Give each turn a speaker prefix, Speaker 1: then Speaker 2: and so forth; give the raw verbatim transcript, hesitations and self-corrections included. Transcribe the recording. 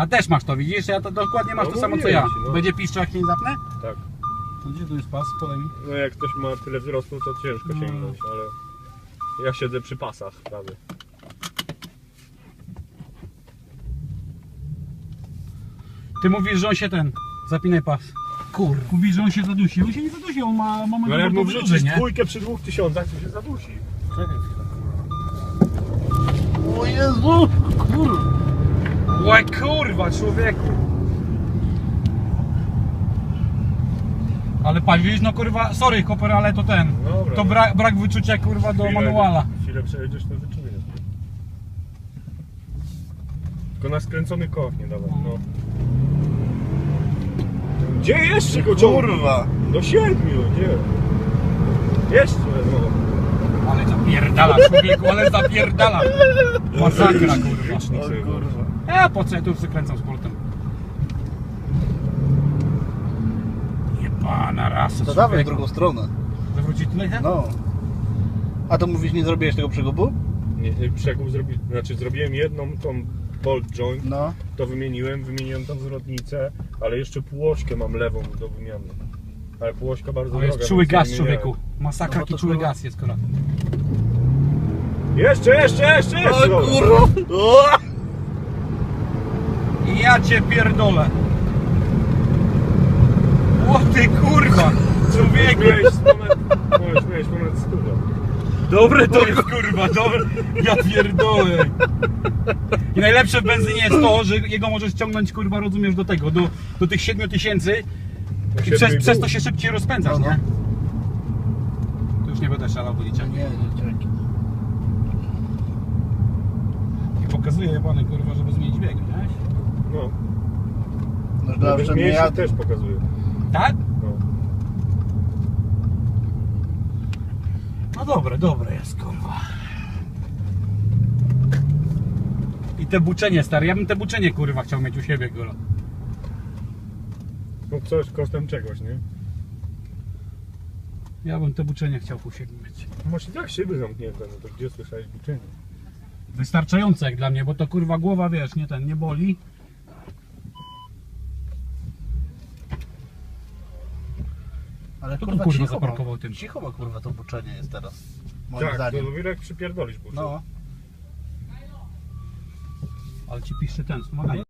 Speaker 1: A też masz to, widzisz? Ja to dokładnie masz
Speaker 2: No
Speaker 1: to samo co
Speaker 2: mówiłem
Speaker 1: ja.
Speaker 2: ci, no.
Speaker 1: Będzie piszczał jak się nie zapnę?
Speaker 2: Tak.
Speaker 1: To gdzie tu jest pas? Podaj mi.
Speaker 2: No jak ktoś ma tyle wzrostu, to ciężko
Speaker 1: No.
Speaker 2: sięgnąć, ale ja siedzę przy pasach prawie.
Speaker 1: Ty mówisz, że on się ten... Zapinaj pas. Kur... Mówisz, że on się zadusi. On się nie zadusi, on ma moment
Speaker 2: No jak mu
Speaker 1: duży,
Speaker 2: wrzucisz
Speaker 1: nie?
Speaker 2: dwójkę przy dwóch tysiącach, to się zadusi.
Speaker 1: Czekaj chwilę. O Jezu! Kurwa! Łe kurwa, człowieku! Ale pan, widzisz, no kurwa, sorry Koper, ale to ten.
Speaker 2: Dobra.
Speaker 1: To brak, brak wyczucia kurwa do
Speaker 2: Chwilę-
Speaker 1: manuala.
Speaker 2: Chwilę przejedziesz, to wyczujesz. Tylko na skręcony koch nie dawaj, no. Gdzie jeszcze go ciągnij?
Speaker 3: Kurwa!
Speaker 2: Do siedmiu, gdzie? Jeszcze, no.
Speaker 1: Ale zapierdala, człowieku, ale zapierdala! Masakra kurwa.
Speaker 2: Licznik sobie
Speaker 3: O kurwa.
Speaker 1: Ja po co ja tu wykręcam sportem? Jebana rasa,
Speaker 3: To dawaj w
Speaker 1: człowieku.
Speaker 3: drugą stronę.
Speaker 1: Zawrócić tutaj, he?
Speaker 3: No. A to mówisz, nie zrobiłeś tego przegubu?
Speaker 2: Nie, nie, przekup zrobi... Znaczy zrobiłem jedną tą bolt joint,
Speaker 3: No.
Speaker 2: to wymieniłem, wymieniłem tą zwrotnicę, ale jeszcze półośkę mam lewą do wymiany. Ale półośka bardzo
Speaker 1: To
Speaker 2: droga.
Speaker 1: jest czuły
Speaker 2: więc nie
Speaker 1: gaz,
Speaker 2: wymieniałem.
Speaker 1: człowieku. Masakra,
Speaker 3: No bo
Speaker 1: jaki
Speaker 3: to
Speaker 1: czuły
Speaker 3: kurwa-
Speaker 1: gaz jest kurwa.
Speaker 2: Jeszcze, jeszcze, jeszcze, jeszcze!
Speaker 3: O kurwa! O!
Speaker 1: Ja cię pierdolę. O ty kurwa, człowieku.
Speaker 2: Miałeś ponad, miałeś, miałeś ponad stówę.
Speaker 1: Dobre to jest kurwa, dobre. Ja pierdolę. I najlepsze w benzynie jest to, że jego możesz ciągnąć kurwa, rozumiesz, do tego, do, do tych siedmiu tysięcy i
Speaker 2: siedmiu
Speaker 1: przez,
Speaker 2: i
Speaker 1: przez
Speaker 2: pół.
Speaker 1: to się szybciej rozpędzasz,
Speaker 3: No, no.
Speaker 1: nie? Tu już nie będę szalał do liczenia.
Speaker 3: Nie, nie, dzięki.
Speaker 1: I pokazuje jebany kurwa, żeby zmienić bieg, wiesz?
Speaker 2: No.
Speaker 3: No dobrze, że nie
Speaker 2: Mniejszy
Speaker 3: jadę.
Speaker 2: też pokazuje.
Speaker 1: Tak?
Speaker 2: No.
Speaker 1: No dobre, dobre jest kurwa. I te buczenie stary, ja bym te buczenie kurwa chciał mieć u siebie kurwa.
Speaker 2: No coś kosztem czegoś, nie?
Speaker 1: Ja bym te buczenie chciał u siebie mieć.
Speaker 2: Masz i tak szyby zamknięte, no to gdzie słyszałeś buczenie?
Speaker 1: Wystarczające jak dla mnie, bo to kurwa głowa, wiesz, nie ten, nie boli.
Speaker 3: Ale
Speaker 1: To tu, kurwa,
Speaker 3: cicho
Speaker 1: zaparkował
Speaker 3: ma,
Speaker 1: tym.
Speaker 3: cicho ma kurwa to buczenie jest teraz. Moim
Speaker 2: Tak,
Speaker 3: zdaniem.
Speaker 2: to dopiero jak przypierdolisz buczenie.
Speaker 3: No.
Speaker 1: Ale ci piszczy ten, wspomaganie.